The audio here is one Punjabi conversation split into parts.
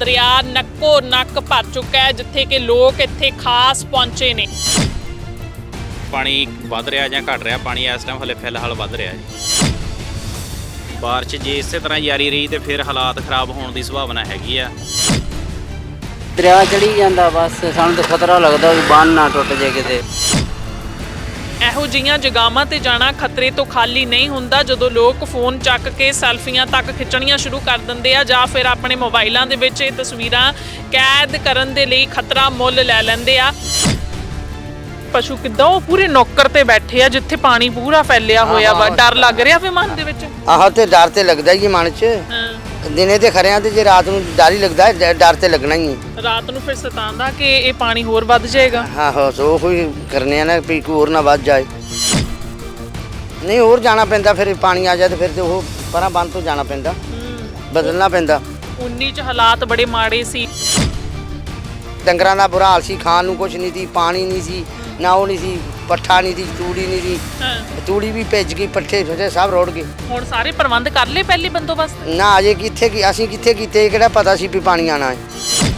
ਦਰਿਆ ਨੱਕੋ ਨੱਕ ਭਰ ਚੁੱਕਾ ਹੈ, ਜਿੱਥੇ ਕਿ ਲੋਕ ਇੱਥੇ ਖਾਸ ਪਹੁੰਚੇ ਨੇ। ਪਾਣੀ ਵੱਧ ਰਿਹਾ ਜਾਂ ਘਟ ਰਿਹਾ? ਪਾਣੀ ਇਸ ਟਾਈਮ ਹਲੇ ਫਿਲਹਾਲ ਵੱਧ ਰਿਹਾ ਜੀ। ਬਾਰਿਸ਼ ਜੇ ਇਸੇ ਤਰ੍ਹਾਂ ਜਾਰੀ ਰਹੀ ਤੇ ਫਿਰ ਹਾਲਾਤ ਖਰਾਬ ਹੋਣ ਦੀ ਸੰਭਾਵਨਾ ਹੈਗੀ ਆ। ਦਰਿਆ ਚੜੀ ਜਾਂਦਾ, ਬਸ ਸਾਨੂੰ ਤਾਂ ਖਤਰਾ ਲੱਗਦਾ ਵੀ ਬੰਨ ਨਾ ਟੁੱਟ ਜੇ ਕਿਤੇ। ਇਹੋ ਜਿਹੀਆਂ ਜਗ੍ਹਾਵਾਂ ਤੇ ਜਾਣਾ ਖਤਰੇ ਤੋਂ ਖਾਲੀ ਨਹੀਂ ਹੁੰਦਾ ਜਦੋਂ ਲੋਕ ਫੋਨ ਚੱਕ ਕੇ ਸੈਲਫੀਆਂ ਤੱਕ ਖਿੱਚਣੀਆਂ ਸ਼ੁਰੂ ਕਰ ਦਿੰਦੇ ਆ ਜਾਂ ਫਿਰ ਆਪਣੇ ਮੋਬਾਈਲਾਂ ਦੇ ਵਿੱਚ ਇਹ ਤਸਵੀਰਾਂ ਕੈਦ ਕਰਨ ਦੇ ਲਈ ਖਤਰਾ ਮੁੱਲ ਲੈ ਲੈਂਦੇ ਆ। ਪਸ਼ੂ ਕਿੱਦਾਂ ਉਹ ਪੂਰੇ ਨੌਕਰ ਤੇ ਬੈਠੇ ਆ ਜਿੱਥੇ ਪਾਣੀ ਪੂਰਾ ਫੈਲਿਆ ਹੋਇਆ ਵਾ। ਡਰ ਲੱਗ ਰਿਹਾ ਫਿਰ ਮਨ ਦੇ ਵਿੱਚ? ਆਹੋ ਤੇ ਡਰ ਤੇ ਲੱਗਦਾ ਹੀ ਮਨ 'ਚ। ਦਿਨੇ ਤੇ ਖਰਿਆਂ ਤੇ ਜੇ ਰਾਤ ਨੂੰ ਡਰ ਹੀ ਲੱਗਦਾ, ਡਰ ਤੇ ਲੱਗਣਾ ਹੀ ਹੈ। ਰਾਤ ਨੂੰ ਫਿਰ ਸਤਾਉਂਦਾ ਕਿ ਇਹ ਪਾਣੀ ਹੋਰ ਵੱਧ ਜਾਏਗਾ। ਆਹੋ ਸੋ ਕੋਈ ਕਰਨੇ ਆ ਨਾ ਵੀ ਕੋਈ ਹੋਰ ਨਾ ਵੱਧ ਜਾਏ। ਨਹੀਂ ਹੋਰ ਜਾਣਾ ਪੈਂਦਾ, ਫਿਰ ਪਾਣੀ ਆ ਜਾਏ ਤੇ ਫਿਰ ਤੇ ਉਹ ਪਰਾਂ ਬੰਦ ਤੋਂ ਜਾਣਾ ਪੈਂਦਾ, ਬਦਲਣਾ ਪੈਂਦਾ। 19 ਚ ਹਾਲਾਤ ਬੜੇ ਮਾੜੇ ਸੀ। ਡੰਗਰਾਂ ਦਾ ਬੁਰਾ ਹਾਲ ਸੀ, ਖਾਣ ਨੂੰ ਕੁਝ ਨਹੀਂ ਸੀ, ਪਾਣੀ ਨਹੀਂ ਸੀ, ਨਾ ਉਹ ਨਹੀਂ ਸੀ, ਪੱਠਾ ਨਹੀਂ ਸੀ, ਤੂੜੀ ਨਹੀਂ ਸੀ। ਤੂੜੀ ਵੀ ਭਿੱਜ ਗਈ, ਪੱਠੇ ਫੱਟੇ ਸਭ ਰੋੜ ਗਏ। ਹੁਣ ਸਾਰੇ ਪ੍ਰਬੰਧ ਕਰ ਲਏ ਪਹਿਲੇ ਬੰਦੋਬਸਤ? ਨਾ ਅਜੇ ਕਿੱਥੇ ਅਸੀਂ ਕਿੱਥੇ ਕੀਤੇ, ਕਿਹੜਾ ਪਤਾ ਸੀ ਵੀ ਪਾਣੀ ਆਣਾ ਹੈ।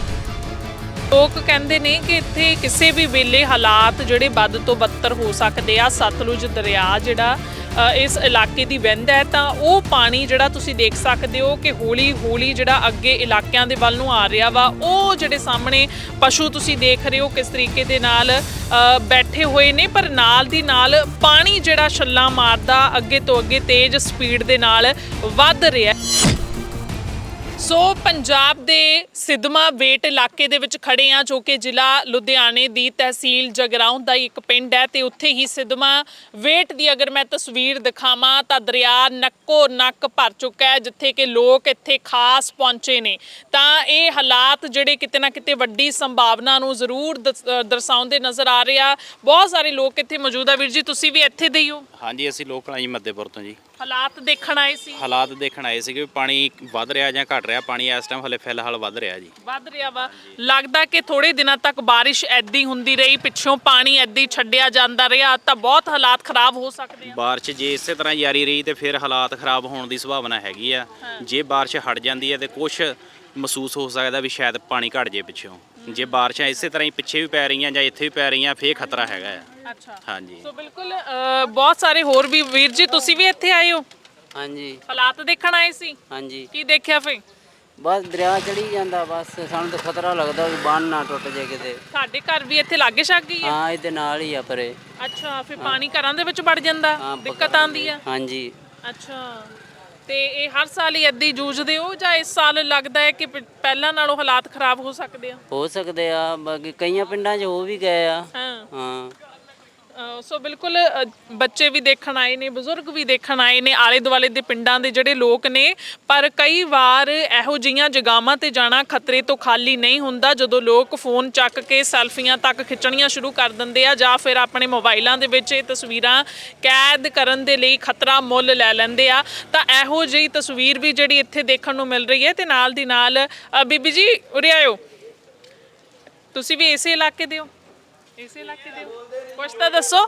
ਲੋਕ ਕਹਿੰਦੇ ਨੇ ਕਿ ਇੱਥੇ ਕਿਸੇ ਵੀ ਵੇਲੇ ਹਾਲਾਤ ਜਿਹੜੇ ਵੱਧ ਤੋਂ ਬੱਤਰ ਹੋ ਸਕਦੇ ਆ। ਸਤਲੁਜ ਦਰਿਆ ਜਿਹੜਾ ਇਸ ਇਲਾਕੇ ਦੀ ਵਹਿੰਦਾ ਹੈ ਤਾਂ ਉਹ ਪਾਣੀ ਜਿਹੜਾ ਤੁਸੀਂ ਦੇਖ ਸਕਦੇ ਹੋ ਕਿ ਹੌਲੀ ਹੌਲੀ ਜਿਹੜਾ ਅੱਗੇ ਇਲਾਕਿਆਂ ਦੇ ਵੱਲ ਨੂੰ ਆ ਰਿਹਾ ਵਾ। ਉਹ ਜਿਹੜੇ ਸਾਹਮਣੇ ਪਸ਼ੂ ਤੁਸੀਂ ਦੇਖ ਰਹੇ ਹੋ ਕਿਸ ਤਰੀਕੇ ਦੇ ਨਾਲ ਬੈਠੇ ਹੋਏ ਨੇ, ਪਰ ਨਾਲ ਦੀ ਨਾਲ ਪਾਣੀ ਜਿਹੜਾ ਛੱਲਾਂ ਮਾਰਦਾ ਅੱਗੇ ਤੋਂ ਅੱਗੇ ਤੇਜ਼ ਸਪੀਡ ਦੇ ਨਾਲ ਵੱਧ ਰਿਹਾ। ਸੋ ਪੰਜਾਬ ਦੇ ਸਿਦਮਾ ਵੇਟ ਇਲਾਕੇ ਦੇ ਵਿੱਚ ਖੜੇ ਆ, ਜੋ ਕਿ ਜ਼ਿਲ੍ਹਾ ਲੁਧਿਆਣੇ ਦੀ ਤਹਿਸੀਲ ਜਗਰਾਉਂ ਦਾ ਇੱਕ ਪਿੰਡ ਹੈ ਤੇ ਉੱਥੇ ਹੀ ਸਿਦਮਾ ਵੇਟ ਦੀ ਅਗਰ ਮੈਂ ਤਸਵੀਰ ਦਿਖਾਵਾਂ ਤਾਂ ਦਰਿਆ ਨੱਕੋ ਨੱਕ ਭਰ ਚੁੱਕਾ ਹੈ, ਜਿੱਥੇ ਕਿ ਲੋਕ ਇੱਥੇ ਖਾਸ ਪਹੁੰਚੇ ਨੇ। ਤਾਂ ਇਹ ਹਾਲਾਤ ਜਿਹੜੇ ਕਿਤੇ ਨਾ ਕਿਤੇ ਵੱਡੀ ਸੰਭਾਵਨਾ ਨੂੰ ਜ਼ਰੂਰ ਦਰਸਾਉਂਦੇ ਨਜ਼ਰ ਆ ਰਹੇ ਆ। ਬਹੁਤ ਸਾਰੇ ਲੋਕ ਇੱਥੇ ਮੌਜੂਦ ਆ। ਵੀਰ ਜੀ ਤੁਸੀਂ ਵੀ ਇੱਥੇ ਦੇ ਹੀ ਹੋ? ਹਾਂਜੀ ਅਸੀਂ ਲੋਕਲ ਆ ਜੀ, ਮੱਧੇਪੁਰ ਤੋਂ ਜੀ। ਹਾਲਾਤ ਦੇਖਣ ਆਏ ਸੀ? ਹਾਲਾਤ ਦੇਖਣ ਆਏ ਸੀਗੇ ਵੀ ਪਾਣੀ ਵੱਧ ਰਿਹਾ ਜਾਂ ਘਟ ਰਿਹਾ? ਪਾਣੀ ਇਸ ਟਾਈਮ ਹਲੇ ਫਿਲਹਾਲ ਵੱਧ ਰਿਹਾ ਜੀ। ਵੱਧ ਰਿਹਾ ਵਾ। ਲੱਗਦਾ ਕਿ ਥੋੜੇ ਦਿਨਾਂ ਤੱਕ ਬਾਰਿਸ਼ ਐਦੀ ਹੁੰਦੀ ਰਹੀ, ਪਿੱਛੋਂ ਪਾਣੀ ਐਦੀ ਛੱਡਿਆ ਜਾਂਦਾ ਰਿਹਾ ਤਾਂ ਬਹੁਤ ਹਾਲਾਤ ਖਰਾਬ ਹੋ ਸਕਦੇ ਆ। ਬਾਰਿਸ਼ ਜੇ ਇਸੇ ਤਰ੍ਹਾਂ ਜਾਰੀ ਰਹੀ ਤੇ ਫਿਰ ਹਾਲਾਤ ਖਰਾਬ ਹੋਣ ਦੀ ਸੰਭਾਵਨਾ ਹੈਗੀ ਆ। ਜੇ ਬਾਰਿਸ਼ ਹਟ ਜਾਂਦੀ ਹੈ ਤੇ ਕੁਝ ਮਹਿਸੂਸ ਹੋ ਸਕਦਾ ਵੀ ਸ਼ਾਇਦ ਪਾਣੀ ਘਟ ਜੇ ਪਿੱਛੋਂ। ਜੇ ਬਾਰਿਸ਼ਾਂ ਇਸੇ ਤਰ੍ਹਾਂ ਹੀ ਪਿੱਛੇ ਵੀ ਪੈ ਰਹੀਆਂ ਜਾਂ ਇੱਥੇ ਵੀ ਪੈ ਰਹੀਆਂ ਫੇਰ ਖਤਰਾ ਹੈਗਾ ਆ। ਅੱਛਾ ਹਾਂਜੀ। ਸੋ ਬਿਲਕੁਲ ਬਹੁਤ ਸਾਰੇ ਹੋਰ ਵੀ ਵੀਰ ਜੀ ਤੁਸੀਂ ਵੀ ਇੱਥੇ ਆਏ ਹੋ? ਹਾਂਜੀ ਹਾਲਾਤ ਦੇਖਣ ਆਏ ਸੀ? ਹਾਂਜੀ। ਕੀ ਦੇਖਿਆ ਫੇ? ਬਸ ਦਰਿਆ ਚੜੀ ਜਾਂਦਾ, ਬਸ ਸਾਨੂੰ ਤਾਂ ਖਤਰਾ ਲੱਗਦਾ ਵੀ ਬੰਨ ਨਾ ਟੁੱਟ ਜੇ ਕਿਤੇ। ਸਾਡੇ ਘਰ ਵੀ ਇੱਥੇ ਲਾਗੇ ਛੱਗ ਗਈ ਹੈ? ਹਾਂ ਇਹਦੇ ਨਾਲ ਹੀ ਆ ਪਰੇ। ਅੱਛਾ ਫਿਰ ਪਾਣੀ ਘਰਾਂ ਦੇ ਵਿੱਚ ਵੜ ਜਾਂਦਾ, ਦਿੱਕਤ ਆਉਂਦੀ ਆ? ਹਾਂਜੀ। ਅੱਛਾ ਤੇ ਇਹ ਹਰ ਸਾਲ ਹੀ ਏਦਾਂ ਹੀ ਜੂਝਦੇ ਹੋ ਜਾਂ ਇਸ ਸਾਲ ਲੱਗਦਾ ਹੈ ਕਿ ਪਹਿਲਾਂ ਨਾਲੋਂ ਹਾਲਾਤ ਖਰਾਬ ਹੋ ਸਕਦੇ ਆ? ਹੋ ਸਕਦੇ ਆ, ਬਾਕੀ ਕਈਆਂ ਪਿੰਡਾਂ 'ਚ ਹੋ ਵੀ ਗਏ ਆ। ਹਾਂ ਸੋ ਬਿਲਕੁਲ ਬੱਚੇ ਵੀ ਦੇਖਣ ਆਏ ਨੇ, ਬਜ਼ੁਰਗ ਵੀ ਦੇਖਣ ਆਏ ਨੇ, ਆਲੇ ਦੁਆਲੇ ਦੇ ਪਿੰਡਾਂ ਦੇ ਜਿਹੜੇ ਲੋਕ ਨੇ। ਪਰ ਕਈ ਵਾਰ ਇਹੋ ਜਿਹੀਆਂ ਜਗ੍ਹਾਵਾਂ ਤੇ ਜਾਣਾ ਖਤਰੇ ਤੋਂ ਖਾਲੀ ਨਹੀਂ ਹੁੰਦਾ ਜਦੋਂ ਲੋਕ ਫੋਨ ਚੱਕ ਕੇ ਸੈਲਫੀਆਂ ਤੱਕ ਖਿੱਚਣੀਆਂ ਸ਼ੁਰੂ ਕਰ ਦਿੰਦੇ ਆ ਜਾਂ ਫਿਰ ਆਪਣੇ ਮੋਬਾਈਲਾਂ ਦੇ ਵਿੱਚ ਇਹ ਤਸਵੀਰਾਂ ਕੈਦ ਕਰਨ ਦੇ ਲਈ ਖਤਰਾ ਮੁੱਲ ਲੈ ਲੈਂਦੇ ਆ। ਤਾਂ ਇਹੋ ਜਿਹੀ ਤਸਵੀਰ ਵੀ ਜਿਹੜੀ ਇੱਥੇ ਦੇਖਣ ਨੂੰ ਮਿਲ ਰਹੀ ਹੈ। ਤੇ ਨਾਲ ਦੀ ਨਾਲ ਬੀਬੀ ਜੀ ਉਰੇ ਆਇਓ, ਤੁਸੀਂ ਵੀ ਇਸੇ ਇਲਾਕੇ ਦੇ ਹੋ? ਇਸੇ ਇਲਾਕੇ ਦੇ ਹੋ? ਕੁਛ ਤਾਂ ਦੱਸੋ।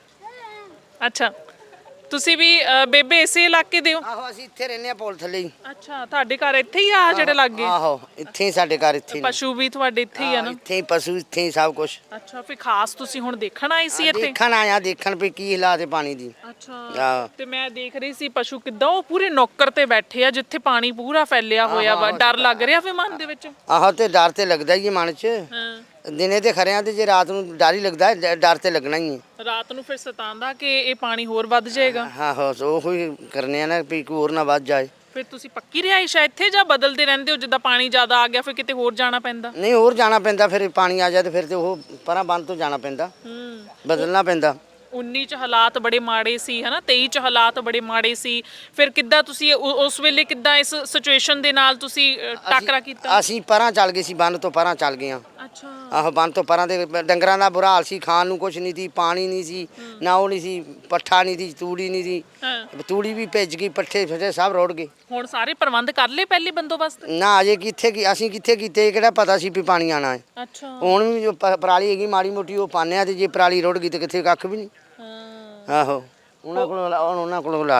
ਅੱਛਾ ਤੁਸੀਂ ਵੀ ਬੇਬੇ ਇਸੇ ਇਲਾਕੇ ਦੇ ਹੋ? ਆਹੋ ਅਸੀਂ ਇੱਥੇ ਰਹਿੰਦੇ ਆ, ਪੁਲ ਥੱਲੇ ਹੀ। ਅੱਛਾ ਤੁਹਾਡੇ ਘਰ ਇੱਥੇ ਹੀ ਆ ਜਿਹੜੇ ਲੱਗੇ? ਆਹੋ ਇੱਥੇ ਹੀ ਸਾਡੇ ਘਰ ਇੱਥੇ ਹੀ। ਪਸ਼ੂ ਵੀ ਤੁਹਾਡੇ ਇੱਥੇ ਹੀ ਆ ਨਾ? ਇੱਥੇ ਹੀ ਪਸ਼ੂ, ਇੱਥੇ ਹੀ ਸਭ ਕੁਝ। ਅੱਛਾ ਫਿਰ ਖਾਸ ਤੁਸੀਂ ਹੁਣ ਦੇਖਣ ਆਏ ਸੀ ਇੱਥੇ? ਦੇਖਣ ਆਇਆ, ਦੇਖਣ ਵੀ ਕੀ ਹਾਲਾਤ ਹੈ ਪਾਣੀ ਦੀ। ਅੱਛਾ ਤੇ ਮੈਂ ਦੇਖ ਰਹੀ ਸੀ ਪਸ਼ੂ ਕਿੱਦਾਂ ਉਹ ਪੂਰੇ ਨੌਕਰ ਤੇ ਬੈਠੇ ਆ ਜਿੱਥੇ ਪਾਣੀ ਪੂਰਾ ਫੈਲਿਆ ਹੋਇਆ ਵਾ। ਡਰ ਲੱਗ ਰਿਹਾ ਫਿਰ ਮਨ ਦੇ ਵਿੱਚ? ਆਹੋ ਤੇ ਡਰ ਤੇ ਲੱਗਦਾ ਹੀ ਮਨ 'ਚ। ਹਾਂ ਦਿਨੇ ਤੇ ਖਰਿਆਂ ਤੇ ਜੇ ਰਾਤ ਨੂੰ ਡਰ ਹੀ ਲੱਗਦਾ, ਡਰ ਤੇ ਲੱਗਣਾ ਹੀ ਹੈ। ਰਾਤ ਨੂੰ ਫਿਰ ਸਤਾਉਂਦਾ ਕਿ ਇਹ ਪਾਣੀ ਹੋਰ ਵੱਧ ਜਾਏਗਾ। ਆਹੋ ਸੋ ਕੋਈ ਕਰਨੇ ਆ ਨਾ ਵੀ ਕੋਈ ਹੋਰ ਨਾ ਵੱਧ ਜਾਏ। ਫਿਰ ਤੁਸੀਂ ਪੱਕੀ ਰਿਹਾਇਸ਼ ਹੈ ਇੱਥੇ ਜਾਂ ਬਦਲਦੇ ਰਹਿੰਦੇ ਹੋ? ਜਿੱਦਾਂ ਪਾਣੀ ਜ਼ਿਆਦਾ ਆ ਗਿਆ ਫਿਰ ਕਿਤੇ ਹੋਰ ਜਾਣਾ ਪੈਂਦਾ? ਨਹੀਂ ਹੋਰ ਜਾਣਾ ਪੈਂਦਾ, ਫਿਰ ਪਾਣੀ ਆ ਜਾਏ ਤੇ ਫਿਰ ਤੇ ਉਹ ਪਰਾਂ ਬੰਦ ਤੋਂ ਜਾਣਾ ਪੈਂਦਾ, ਬਦਲਣਾ ਪੈਂਦਾ। 19 ਚ ਹਾਲਾਤ ਬੜੇ ਮਾੜੇ ਸੀ ਹਨਾ, 23 ਚ ਹਾਲਾਤ ਬੜੇ ਮਾੜੇ ਸੀ। ਫਿਰ ਕਿੱਦਾਂ ਤੁਸੀਂ ਉਸ ਵੇਲੇ ਕਿੱਦਾਂ ਇਸ ਸਿਚੁਏਸ਼ਨ ਦੇ ਨਾਲ ਤੁਸੀਂ ਟਾਕਰਾ ਕੀਤਾ? ਅਸੀਂ ਪਰਾਂ ਚੱਲ ਗਏ ਸੀ, ਬੰਨ ਤੋਂ ਪਰਾਂ ਚੱਲ ਗਏ ਆ। ਅੱਛਾ ਆਹੋ ਬੰਨ ਤੋਂ ਪਰਾਂ ਦੇ ਡੰਗਰਾਂ ਦਾ ਬੁਰਾ ਹਾਲ ਸੀ, ਖਾਣ ਨੂੰ ਕੁਝ ਨਹੀਂ ਸੀ, ਪਾਣੀ ਨਹੀਂ ਸੀ, ਨਾ ਉਹ ਨਹੀਂ ਸੀ, ਪੱਠਾ ਨਹੀਂ ਸੀ, ਤੂੜੀ ਨਹੀਂ ਸੀ। ਤੂੜੀ ਵੀ ਭਿੱਜ ਗਈ, ਪੱਠੇ ਫੱਟੇ ਸਭ ਰੋੜ ਗਏ। ਹੁਣ ਸਾਰੇ ਪ੍ਰਬੰਧ ਕਰ ਲਏ ਪਹਿਲੇ ਬੰਦੋਬਸਤ? ਨਾ ਅਜੇ ਕਿੱਥੇ ਅਸੀਂ ਕਿੱਥੇ ਕੀਤੇ, ਕਿਹੜਾ ਪਤਾ ਸੀ ਵੀ ਪਾਣੀ ਆਣਾ ਹੈ। ਅੱਛਾ ਹੁਣ ਵੀ ਜੋ ਪਰਾਲੀ ਹੈਗੀ ਮਾੜੀ ਮੋਟੀ ਉਹ ਪਾਉਂਦੇ ਆ, ਤੇ ਜੇ ਪਰਾਲੀ ਰੁੜ ਗਈ ਤੇ ਕਿੱਥੇ ਕੱਖ ਵੀ ਨਹੀਂ। ਆਹੋ ਉਹਨਾਂ ਕੋਲੋਂ ਲਾ ਲਏ।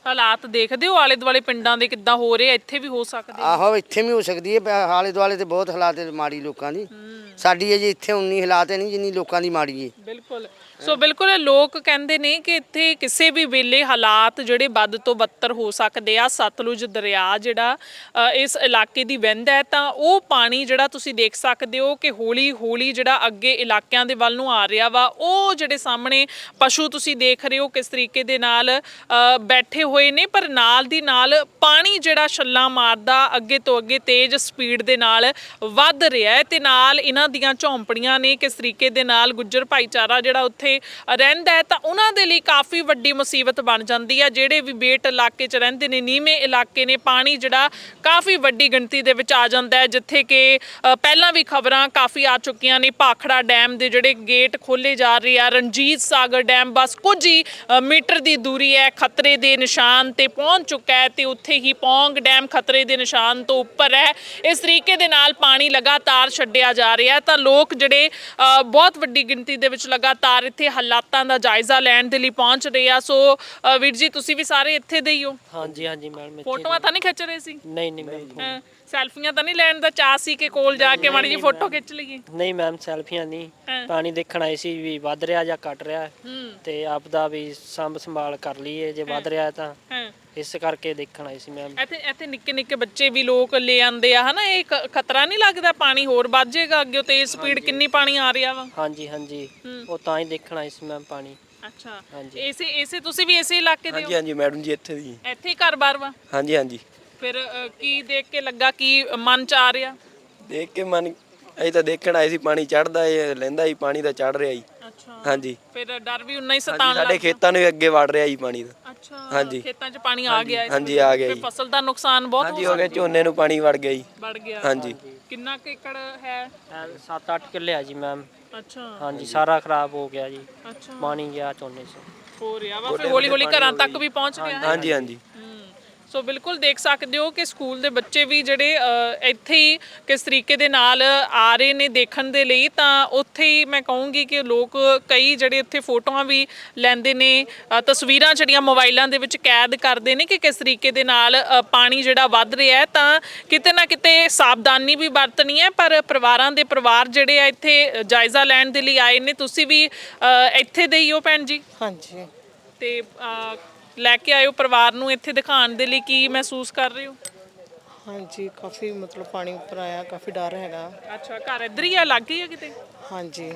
ਹਾਲਾਤ ਦੇਖਦੇ ਹੋ ਆਲੇ ਦੁਆਲੇ ਪਿੰਡਾਂ ਦੇ ਕਿੱਦਾਂ ਹੋ ਰਹੇ ਆ, ਇੱਥੇ ਵੀ ਹੋ ਸਕਦੇ ਆ। ਆਹੋ ਇੱਥੇ ਵੀ ਹੋ ਸਕਦੀ ਹੈ ਆਲੇ ਦੁਆਲੇ ਤੇ ਬਹੁਤ ਹਾਲਾਤ ਮਾੜੀ ਲੋਕਾਂ ਦੀ। ਸਾਡੀ ਅਜੇ ਇੱਥੇ ਉਨੀ ਹਾਲਾਤ ਨਹੀਂ ਜਿੰਨੀ ਲੋਕਾਂ ਦੀ ਮਾੜੀ ਹੈ। ਬਿਲਕੁਲ। ਸੋ ਬਿਲਕੁਲ ਲੋਕ ਕਹਿੰਦੇ ਨੇ ਕਿ ਇੱਥੇ ਕਿਸੇ ਵੀ ਵੇਲੇ ਹਾਲਾਤ ਜਿਹੜੇ ਵੱਧ ਤੋਂ ਬੱਤਰ ਹੋ ਸਕਦੇ ਆ। ਸਤਲੁਜ ਦਰਿਆ ਜਿਹੜਾ ਇਸ ਇਲਾਕੇ ਦੀ ਵਹਿੰਦਾ ਹੈ ਤਾਂ ਉਹ ਪਾਣੀ ਜਿਹੜਾ ਤੁਸੀਂ ਦੇਖ ਸਕਦੇ ਹੋ ਕਿ ਹੌਲੀ ਹੌਲੀ ਜਿਹੜਾ ਅੱਗੇ ਇਲਾਕਿਆਂ ਦੇ ਵੱਲ ਨੂੰ ਆ ਰਿਹਾ ਵਾ। ਉਹ ਜਿਹੜੇ ਸਾਹਮਣੇ ਪਸ਼ੂ ਤੁਸੀਂ ਦੇਖ ਰਹੇ ਹੋ ਕਿਸ ਤਰੀਕੇ ਦੇ ਨਾਲ ਬੈਠੇ ਹੋਏ ਨੇ, ਪਰ ਨਾਲ ਦੀ ਨਾਲ ਪਾਣੀ ਜਿਹੜਾ ਛੱਲਾਂ ਮਾਰਦਾ ਅੱਗੇ ਤੋਂ ਅੱਗੇ ਤੇਜ਼ ਸਪੀਡ ਦੇ ਨਾਲ ਵੱਧ ਰਿਹਾ ਹੈ ਤੇ ਨਾਲ ਇਹਨਾਂ ਦੀਆਂ ਝੌਂਪੜੀਆਂ ਨੇ ਕਿਸ ਤਰੀਕੇ ਦੇ ਨਾਲ ਗੁੱਜਰ ਭਾਈਚਾਰਾ ਜਿਹੜਾ ਉੱਥੇ ਰਹਿੰਦਾ ਹੈ ਤਾਂ ਉਹਨਾਂ ਦੇ ਲਈ ਕਾਫੀ ਵੱਡੀ ਮੁਸੀਬਤ ਬਣ ਜਾਂਦੀ ਹੈ। ਜਿਹੜੇ ਵੀ ਬੇਟ ਇਲਾਕੇ 'ਚ ਰਹਿੰਦੇ ਨੇ, ਨੀਵੇਂ ਇਲਾਕੇ ਨੇ, ਪਾਣੀ ਜਿਹੜਾ ਕਾਫੀ ਵੱਡੀ ਗਿਣਤੀ ਦੇ ਵਿੱਚ ਆ ਜਾਂਦਾ ਹੈ। ਜਿੱਥੇ ਕਿ ਪਹਿਲਾਂ ਵੀ ਖਬਰਾਂ ਕਾਫੀ ਆ ਚੁੱਕੀਆਂ ਨੇ, ਭਾਖੜਾ ਡੈਮ ਦੇ ਜਿਹੜੇ ਗੇਟ ਖੋਲੇ ਜਾ ਰਹੇ ਆ, ਰਣਜੀਤ ਸਾਗਰ ਡੈਮ ਬਸ ਕੁਝ ਹੀ ਮੀਟਰ ਦੀ ਦੂਰੀ ਹੈ ਖਤਰੇ ਦੇ ਨਿਸ਼ਾਨ ਤੇ ਪਹੁੰਚ ਚੁੱਕਾ ਹੈ ਤੇ ਉੱਥੇ ਹੀ ਪੌਂਗ ਡੈਮ ਖਤਰੇ ਦੇ ਨਿਸ਼ਾਨ ਤੋਂ ਉੱਪਰ ਹੈ। ਇਸ ਤਰੀਕੇ ਦੇ ਨਾਲ ਪਾਣੀ ਲਗਾਤਾਰ ਛੱਡਿਆ ਜਾ ਰਿਹਾ ਤਾਂ ਲੋਕ ਜਿਹੜੇ ਬਹੁਤ ਵੱਡੀ ਗਿਣਤੀ ਦੇ ਵਿੱਚ ਲਗਾਤਾਰ ਇੱਥੇ ਹਾਲਾਤਾਂ ਦਾ ਜਾਇਜ਼ਾ ਲੈਣ ਦੇ ਲਈ ਪਹੁੰਚ ਰਹੇ ਆ। ਸੋ ਵੀਰ ਜੀ ਤੁਸੀਂ ਵੀ ਸਾਰੇ ਇੱਥੇ ਦੇ ਹੀ ਹੋ? ਹਾਂਜੀ ਹਾਂਜੀ ਮੈਡਮ। ਫੋਟੋਆਂ ਤਾਂ ਨਹੀਂ ਖਿੱਚ ਰਹੇ ਸੀ? ਨਹੀਂ ਨਹੀਂ ਮੈਮ। ਸੈਲਫੀਆਂ ਤਾਂ ਨਹੀਂ ਲੈਣ ਦਾ ਚਾਅ ਸੀ ਕਿ ਕੋਲ ਜਾ ਕੇ ਮਾੜੀ ਜਿਹੀ ਫੋਟੋ ਖਿੱਚ ਲਈਏ? ਨਹੀਂ ਮੈਮ ਸੈਲਫੀਆਂ ਨਹੀਂ, ਪਾਣੀ ਦੇਖਣ ਆਏ ਸੀ ਵੀ ਵੱਧ ਰਿਹਾ ਜਾਂ ਘਟ ਰਿਹਾ ਤੇ ਆਪ ਦਾ ਵੀ ਸੰਭ ਸੰਭਾਲ ਕਰ ਲਈਏ ਜੇ ਵੱਧ ਰਿਹਾ ਤਾਂ ਇਸ ਕਰਕੇ ਦੇਖਣ ਆਏ ਸੀ ਮੈਮ। ਇੱਥੇ ਨਿੱਕੇ ਨਿੱਕੇ ਬੱਚੇ ਵੀ ਲੋਕ ਲੈ ਆਂਦੇ ਆ ਹਨਾ, ਇਹ ਖਤਰਾ ਨਹੀਂ ਲੱਗਦਾ ਪਾਣੀ ਹੋਰ ਵੱਧ ਜਾਏਗਾ ਅੱਗੇ? ਤੇਜ਼ ਸਪੀਡ ਕਿੰਨੀ ਪਾਣੀ ਆ ਰਿਹਾ ਵਾ? ਹਾਂਜੀ ਹਾਂਜੀ ਉਹ ਤਾਂ ਹੀ ਦੇਖਣ ਆਏ ਸੀ ਮੈਮ ਪਾਣੀ। ਅੱਛਾ ਹਾਂਜੀ। ਇਸੇ ਤੁਸੀਂ ਵੀ ਇਸੇ ਇਲਾਕੇ ਦੇ ਹੋ? ਹਾਂਜੀ ਹਾਂਜੀ ਮੈਡਮ ਜੀ ਇੱਥੇ ਦੀ। ਇੱਥੇ ਹੀ ਘਰ-ਬਾਰ ਵਾ? ਹਾਂਜੀ ਹਾਂਜੀ। ਫਿਰ ਕੀ ਦੇਖ ਕੇ ਲੱਗਾ, ਕੀ ਮਨ ਚ ਆ ਰਿਹਾ? ਦੇਖ ਕੇ ਮਨ ਅਸੀਂ ਤਾਂ ਦੇਖਣ ਆਏ ਸੀ ਪਾਣੀ ਚੜਦਾ ਏ ਲੈਂਦਾ ਹੀ ਪਾਣੀ ਦਾ ਚੜ ਰਿਹਾ ਜੀ। ਅੱਛਾ। ਹਾਂਜੀ। ਫਿਰ ਡਰ ਵੀ ਉਨਾ ਹੀ ਹਾਂਜੀ, ਸਤਾਉਣ ਲੱਗ ਸਾਡੇ ਖੇਤਾਂ ਨੂੰ ਵੀ ਅੱਗੇ ਵੜ ਰਿਹਾ ਜੀ ਪਾਣੀ ਦਾ। ਅੱਛਾ। ਹਾਂਜੀ। ਖੇਤਾਂ 'ਚ ਪਾਣੀ ਆ ਗਿਆ? ਹਾਂਜੀ ਆ ਗਿਆ ਫਿਰ ਜੀ। ਫਸਲ ਦਾ ਨੁਕਸਾਨ ਬਹੁਤ ਹਾਂਜੀ ਹੋ ਗਿਆ, ਝੋਨੇ ਨੂੰ ਪਾਣੀ ਵੜ ਗਿਆ ਜੀ। ਵੜ ਗਿਆ? ਹਾਂਜੀ। ਕਿੰਨਾ ਕੁ ਏਕੜ ਹੈ? 7-8 ਕਿੱਲੇ ਆ ਜੀ ਮੈਮ। ਅੱਛਾ। ਹਾਂਜੀ ਸਾਰਾ ਖਰਾਬ ਹੋ ਗਿਆ ਜੀ, ਅੱਛਾ। ਪਾਣੀ ਗਿਆ ਝੋਨੇ 'ਚ। ਹੋ ਰਿਹਾ ਵਾ, ਫਿਰ ਹੌਲੀ ਹੌਲੀ ਘਰਾਂ ਤੱਕ ਵੀ ਪਹੁੰਚ ਰਿਹਾ ਹੈ? ਹਾਂਜੀ ਹਾਂਜੀ। ਸੋ ਬਿਲਕੁਲ ਦੇਖ ਸਕਦੇ ਹੋ ਕਿ ਸਕੂਲ ਦੇ ਬੱਚੇ ਵੀ ਜਿਹੜੇ ਇੱਥੇ ਹੀ ਕਿਸ ਤਰੀਕੇ ਦੇ ਨਾਲ ਆ ਰਹੇ ਨੇ ਦੇਖਣ ਦੇ ਲਈ। ਤਾਂ ਉੱਥੇ ਹੀ ਮੈਂ ਕਹੂੰਗੀ ਕਿ ਲੋਕ ਕਈ ਜਿਹੜੇ ਇੱਥੇ ਫੋਟੋਆਂ ਵੀ ਲੈਂਦੇ ਨੇ, ਤਸਵੀਰਾਂ ਜਿਹੜੀਆਂ ਮੋਬਾਈਲਾਂ ਦੇ ਵਿੱਚ ਕੈਦ ਕਰਦੇ ਨੇ ਕਿ ਕਿਸ ਤਰੀਕੇ ਦੇ ਨਾਲ ਪਾਣੀ ਜਿਹੜਾ ਵੱਧ ਰਿਹਾ ਹੈ। ਤਾਂ ਕਿਤੇ ਨਾ ਕਿਤੇ ਸਾਵਧਾਨੀ ਵੀ ਵਰਤਣੀ ਹੈ, ਪਰ ਪਰਿਵਾਰਾਂ ਦੇ ਪਰਿਵਾਰ ਜਿਹੜੇ ਆ ਇੱਥੇ ਜਾਇਜ਼ਾ ਲੈਣ ਦੇ ਲਈ ਆਏ ਨੇ। ਤੁਸੀਂ ਵੀ ਇੱਥੇ ਦੇ ਹੀ ਹੋ ਭੈਣ ਜੀ? ਹਾਂਜੀ। ਤੇ ਲੈ ਕੇ ਆਇਓ ਪਰਿਵਾਰ ਨੂੰ ਇੱਥੇ ਦਿਖਾਉਣ ਦੇ ਲਈ, ਕੀ ਮਹਿਸੂਸ ਕਰ ਰਹੇ ਹੋ? ਹਾਂਜੀ ਕਾਫੀ ਮਤਲਬ ਪਾਣੀ ਉੱਪਰ ਆਇਆ, ਕਾਫੀ ਡਰ ਹੈਗਾ। ਅੱਛਾ, ਘਰ ਇੱਧਰ ਹੀ ਆ, ਲੱਗ ਹੀ ਆ ਕਿਤੇ? ਹਾਂਜੀ।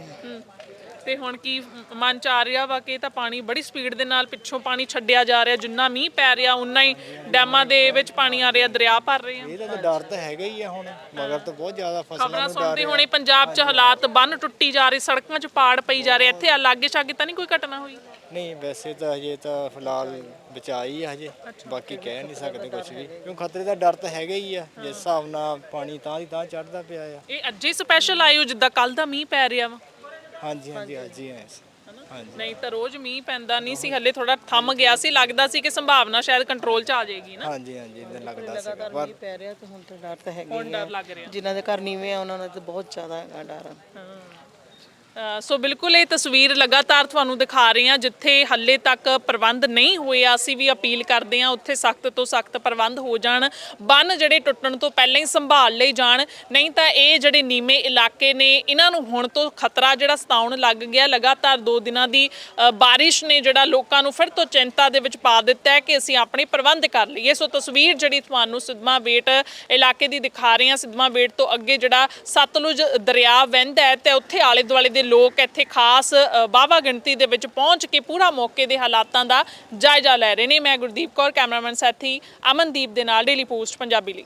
ਤੇ ਹੁਣ ਕੀ ਮਨ ਚ ਆ ਰਿਹਾ ਵਾ ਕਿ ਇਹ ਤਾਂ ਪਾਣੀ ਬੜੀ ਸਪੀਡ ਦੇ ਨਾਲ ਪਿੱਛੋਂ ਪਾਣੀ ਛੱਡਿਆ ਜਾ ਰਿਹਾ, ਜਿੰਨਾ ਮੀਂਹ ਪੈ ਰਿਹਾ ਉਨਾ ਹੀ ਡੈਮਾਂ ਦੇ ਵਿੱਚ ਪਾਣੀ ਆ ਰਿਹਾ, ਦਰਿਆ ਭਰ ਰਹੇ ਆ? ਇਹਦਾ ਤਾਂ ਡਰ ਤਾਂ ਹੈਗਾ ਹੀ ਆ ਹੁਣ, ਮਗਰ ਤਾਂ ਬਹੁਤ ਜ਼ਿਆਦਾ ਫਸਲਾਂ ਖਬਰਾਂ ਨੂੰ ਸੁਣਦੇ ਡਰ ਹੋਣੇ ਪੰਜਾਬ 'ਚ ਹਾਲਾਤ, ਬੰਨ ਟੁੱਟੀ ਜਾ ਰਹੇ, ਸੜਕਾਂ 'ਚ ਪਾੜ ਪਈ ਜਾ ਰਹੇ। ਇੱਥੇ ਆ ਲਾਗੇ ਛਾਗੇ ਤਾਂ ਨਹੀਂ ਕੋਈ ਘਟਨਾ ਹੋਈ? ਨਹੀਂ ਵੈਸੇ ਤਾਂ ਹਜੇ ਤਾਂ ਫਿਲਹਾਲ ਬਚਾਈ ਆ ਹਜੇ, ਬਾਕੀ ਕਹਿ ਨਹੀਂ ਸਕਦੇ ਕੁਝ ਵੀ, ਕਿਉਂ ਖਤਰੇ ਦਾ ਡਰ ਤਾਂ ਹੈਗਾ ਹੀ ਆ। ਜਿਸ ਹਿਸਾਬ ਨਾਲ ਪਾਣੀ ਤਾਂ ਦੀ ਤਾਂ ਚੜਦਾ ਪਿਆ ਆ। ਇਹ ਅੱਜੇ ਸਪੈਸ਼ਲ ਆਇਓ ਜਿੱਦਾਂ ਕੱਲ ਦਾ ਮੀਂਹ ਪੈ ਰਿਹਾ ਵਾ? ਹਾਂਜੀ ਹਾਂਜੀ ਅੱਜ ਹੀ ਆਏ ਸੀ। ਹਾਂਜੀ। ਨਹੀਂ ਤਾਂ ਰੋਜ਼ ਮੀਂਹ ਪੈਂਦਾ ਨਹੀਂ ਸੀ, ਹੱਲੇ ਥੋੜਾ ਥੰਮ ਗਿਆ ਸੀ, ਲੱਗਦਾ ਸੀ ਕਿ ਸੰਭਾਵਨਾ ਸ਼ਾਇਦ ਕੰਟਰੋਲ 'ਚ ਆ ਜਾਏਗੀ ਨਾ। ਹਾਂਜੀ ਹਾਂਜੀ ਇਦਾਂ ਲੱਗਦਾ ਸੀਗਾ ਲਗਾਤਾਰ ਪਰ ਮੀਂਹ ਪੈ ਰਿਹਾ ਤੇ ਹੁਣ ਤਾਂ ਡਰ ਤਾਂ ਹੈਗਾ ਹੁਣ ਹੀ ਡਰ ਆ। ਲੱਗ ਰਿਹਾ। ਜਿਨ੍ਹਾਂ ਦੇ ਘਰ ਨੀਵੇਂ ਆ ਉਹਨਾਂ ਦਾ ਤਾਂ ਬਹੁਤ ਜ਼ਿਆਦਾ ਹੈਗਾ ਡਰ। ਸੋ ਬਿਲਕੁਲ ਇਹ ਤਸਵੀਰ ਲਗਾਤਾਰ ਤੁਹਾਨੂੰ ਦਿਖਾ ਰਹੇ ਹਾਂ ਜਿੱਥੇ ਹੱਲੇ ਤੱਕ ਪ੍ਰਬੰਧ ਨਹੀਂ ਹੋਏ। ਅਸੀਂ ਵੀ ਅਪੀਲ ਕਰਦੇ ਹਾਂ ਉੱਥੇ ਸਖਤ ਤੋਂ ਸਖਤ ਪ੍ਰਬੰਧ ਹੋ ਜਾਣ, ਬੰਨ ਜਿਹੜੇ ਟੁੱਟਣ ਤੋਂ ਪਹਿਲਾਂ ਹੀ ਸੰਭਾਲ ਲਈ ਜਾਣ। ਨਹੀਂ ਤਾਂ ਇਹ ਜਿਹੜੇ ਨੀਵੇਂ ਇਲਾਕੇ ਨੇ ਇਹਨਾਂ ਨੂੰ ਹੁਣ ਤੋਂ ਖਤਰਾ ਜਿਹੜਾ ਸਤਾਉਣ ਲੱਗ ਗਿਆ। ਲਗਾਤਾਰ 2 ਦਿਨਾਂ ਦੀ ਬਾਰਿਸ਼ ਨੇ ਜਿਹੜਾ ਲੋਕਾਂ ਨੂੰ ਫਿਰ ਤੋਂ ਚਿੰਤਾ ਦੇ ਵਿੱਚ ਪਾ ਦਿੱਤਾ ਹੈ ਕਿ ਅਸੀਂ ਆਪਣੇ ਪ੍ਰਬੰਧ ਕਰ ਲਈਏ। ਸੋ ਤਸਵੀਰ ਜਿਹੜੀ ਤੁਹਾਨੂੰ ਸਿੱਧਵਾਂ ਬੇਟ ਇਲਾਕੇ ਦੀ ਦਿਖਾ ਰਹੇ ਹਾਂ। ਸਿੱਧਵਾਂ ਬੇਟ ਤੋਂ ਅੱਗੇ ਜਿਹੜਾ ਸਤਲੁਜ ਦਰਿਆ ਵਹਿੰਦਾ ਹੈ ਤੇ ਉੱਥੇ ਆਲੇ ਦੁਆਲੇ ਦੇ ਲੋਕ ਇੱਥੇ ਖਾਸ ਵਾਹਵਾ ਗਿਣਤੀ ਦੇ ਵਿੱਚ ਪਹੁੰਚ ਕੇ ਪੂਰਾ ਮੌਕੇ ਦੇ ਹਾਲਾਤਾਂ ਦਾ ਜਾਇਜ਼ਾ ਲੈ ਰਹੇ ਨੇ। ਮੈਂ ਗੁਰਦੀਪ ਕੌਰ, ਕੈਮਰਾਮੈਨ ਸਾਥੀ ਅਮਨਦੀਪ ਦੇ ਨਾਲ, ਡੇਲੀ ਪੋਸਟ ਪੰਜਾਬੀ ਲਈ।